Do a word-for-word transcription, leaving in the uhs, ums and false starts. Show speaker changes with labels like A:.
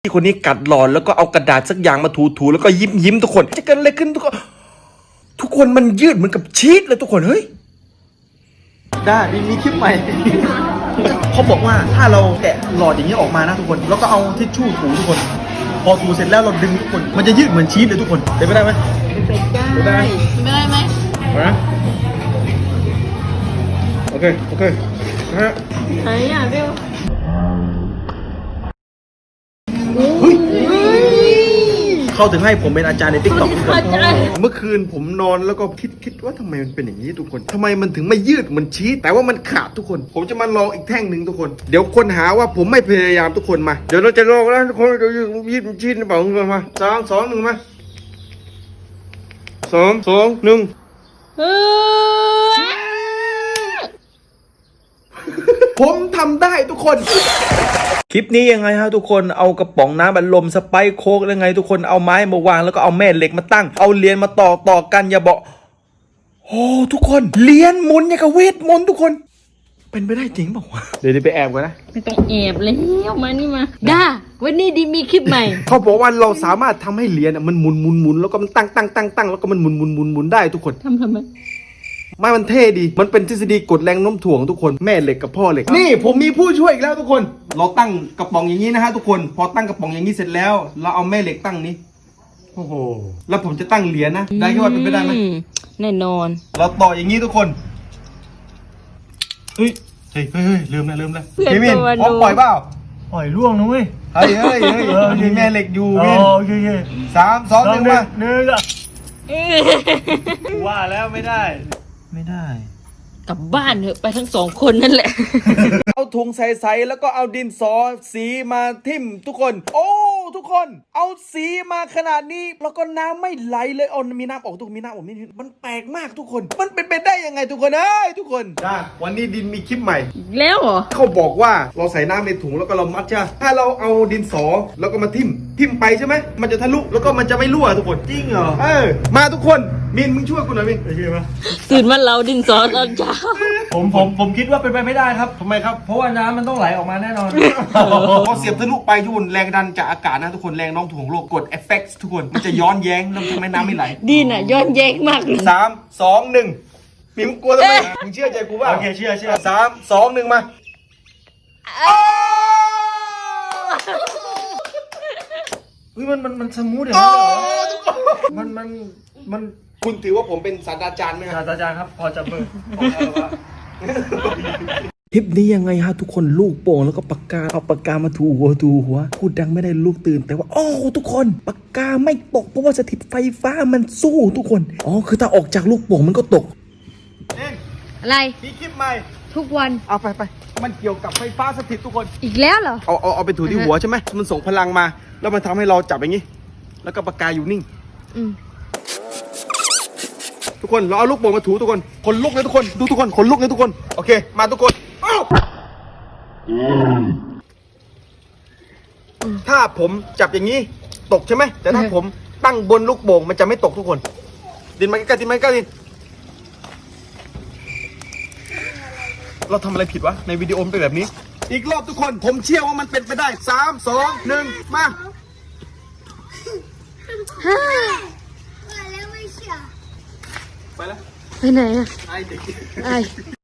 A: พี่คนนี้กัดหลอนแล้วก็เอากระดาษสักอย่างมาถูๆแล้วก็ยิ้มยิ้มทุกคนจะเกิดอะไรขึ้นทุกคนทุกคนมันยืดเหมือนกับชีสเลยทุกคนเฮ้ย
B: ได้มีคลิปใหม่ เขาบอกว่าถ้าเราแกะหลอดอย่างนี้ออกมานะทุกคนแล้วก็เอาทิชชู่ถูทุกคนพอถูเสร็จแล้วเราดึงทุกคนมันจะยืดเหมือนชีสเลยทุกคนเป็นไปได้ไหม
C: เป็นได้เป็นได้ไหม
B: นะโอเคโอเคนะฮะ
C: ไหนอ่ะเบล
B: เฮ้ยเขาถึงให้ผมเป็นอาจารย์ในติ๊กต็อกทุกคนเมื่อคืนผมนอนแล้วก็คิดคิดว่าทำไมมันเป็นอย่างนี้ทุกคนทำไมมันถึงไม่ยืดเหมือนชีสแต่ว่ามันขาดทุกคนผมจะมาลองอีกแท่งหนึ่งทุกคนเดี๋ยวคนหาว่าผมไม่พยายามทุกคนมาเดี๋ยวเราจะลองแล้วทุกคนเดี๋ยวยืดชีสหรือเปล่าทุกคนมาสามสองหนึ่งมาสองสองหนึ่งผมทำได้ทุกคน
A: คลิปนี้ยังไงฮะทุกคนเอากระป๋องน้ำบัลลมสไปซ์โค้กยังไงทุกคนเอาไม้มาวางแล้วก็เอาแม่เหล็กมาตั้งเอาเหรียญมาต่อต่อกันอย่าบอกโอ้ทุกคนเหรียญหมุนอย่างกับเวทมนต์ทุกคนเป็นไปได้จริงเปล่าวะ
B: เดี๋ยวไปแอบกันนะ
C: ไม่ต้องแอบแล้วมานี่มาด้าวันนี้ดีมีคลิปใหม่
B: เขาบอกว่าเราสามารถทำให้เหรียญมันหมุนหมุนหมุนแล้วก็มันตั้งตั้งตั้งตั้งแล้วก็มันหมุนหมุนหมุนหมุนได้ทุกคน
C: ทำทำไม
B: ไม่มันเท่ดีมันเป็นทฤษฎีกดแรงโน้มถ่วงทุกคนแม่เหล็กกับพ่อเหล็กนี่ผมมีผู้ช่วยอีกแล้วทุกคนเราตั้งกระป๋องอย่างนี้นะฮะทุกคนพอตั้งกระป๋องอย่างนี้เสร็จแล้วเราเอาแม่เหล็กตั้งนี้โอ้โหแล้วผมจะตั้งเหรียญนะได้แค่ว่าเป็นไปได้ไหม
C: แน่นอน
B: เราต่ออย่างนี้ทุกคนเฮ้ยเฮ้ยเฮ้ยลืมนะลืมนะพี่มินพร้อมปล่อยเปล่า
D: ปล่อยล่วงนะเว้ย
B: เฮ้ยเฮ้ยเฮ้ยมีแม่เหล็กอยู่มิน
D: โอเคโอเค
B: สามสองหนึ่งมา
D: หนึ่งอ่ะว่าแล้วไม่ได้ไม่ได้
C: กลับบ้านเถอะไปทั้งสองคนนั่นแหละ
A: เอาถุงใส่ๆแล้วก็เอาดินสอสีมาทิ่มทุกคนโอ้ทุกคนเอาสีมาขนาดนี้แล้วก็น้ำไม่ไหลเลยเอามีน้ำออกทุกมีน้ำออกนี่มันแปลกมากทุกคนมันเป็นไปได้ยังไงทุกคนเอ้ยทุกคน
B: จ้าวันนี้ดินมีคลิปใหม่
C: แล้วเหรอ
B: เขาบอกว่าเราใส่น้ำในถุงแล้วก็เรามัดใช่ถ้าเราเอาดินสอแล้วก็มาทิ่มทิ่มไปใช่ไหมมันจะทะลุแล้วก็มันจะไม่รั่วทุกคน
D: จริงเหรอ
B: เออมาทุกคนมินมึงช่วยกูหน่อยมิน
D: โอเคปะ
C: ตื่นมาเราดินสอตอนเช้า
D: ผมผมผมคิดว่าเป็นไปไม่ได้ครับทำไมครับเพราะว่าน้ำมันต้องไหลออกมาแน่นอน
B: พอเสียบทะลุไปทุกคนแรงดันจากอากาศนะทุกคนแรงโน้มถ่วงโลกกดเอฟเฟกต์ทุกคนมันจะย้อนแย้งแล้วทำไมน้ำไม่ไหล
C: ดีน่ะย้อนแย้งมากเลย
B: สามสองหนึ่งมิมกลัวทำไมมึงเชื่อใจกูป่ะ
D: โอเคเชื่อเชื่อ
B: สามสองหนึ่งมา
D: เฮ้ยมันมันมันสมูทอย่างนั้นเหรอมันมันมัน
B: คุณถือว่าผมเป็นศาสตราจารย์ไหม
D: ครับศาสตราจารย์ครับพอจับมือ
A: คลิปนี้ยังไงฮะทุกคนลูกโป่งแล้วก็ปากกาเอาปากกามาถูหัวถูหัวพูดดังไม่ได้ลูกตื่นแต่ว่าโอ้ทุกคนปากกาไม่ตกเพราะว่าสถิตไฟฟ้ามันสู้ทุกคนอ๋อคือถ้าออกจากลูกโป่งมันก็ตก
C: อะไร
B: มีคลิปใหม่
C: ทุกวัน
B: เอาไปไปมันเกี่ยวกับไฟฟ้าสถิตทุกคน
C: อีกแล้วเหรอ
B: เอาเอาเอาไปถูที่หัวใช่ไหมมันส่งพลังมาแล้วมันทำให้เราจับอย่างนี้แล้วก็ปากกาอยู่นิ่ง
C: อืม
B: ทุกคนเราเอาลูกโป่งมาถูทุกคนขนลุกเลยทุกคนดูทุกคนขนลุกเลยทุกคนโอเคมาทุกคนถ้าผมจับอย่างนี้ตกใช่ไหมแต่ถ้าผมตั้งบนลูกโป่งมันจะไม่ตกทุกคนดินมาใกล้ๆดินมาใกล้ๆดินเราทำอะไรผิดวะในวิดีโอมันเป็นแบบนี้อีกรอบทุกคนผมเชื่อว่ามันเป็นไปได้สามสองหนึ่งมาไปแล้ว
C: ไปไหนอะ
B: ไอเด็ก
C: ไอ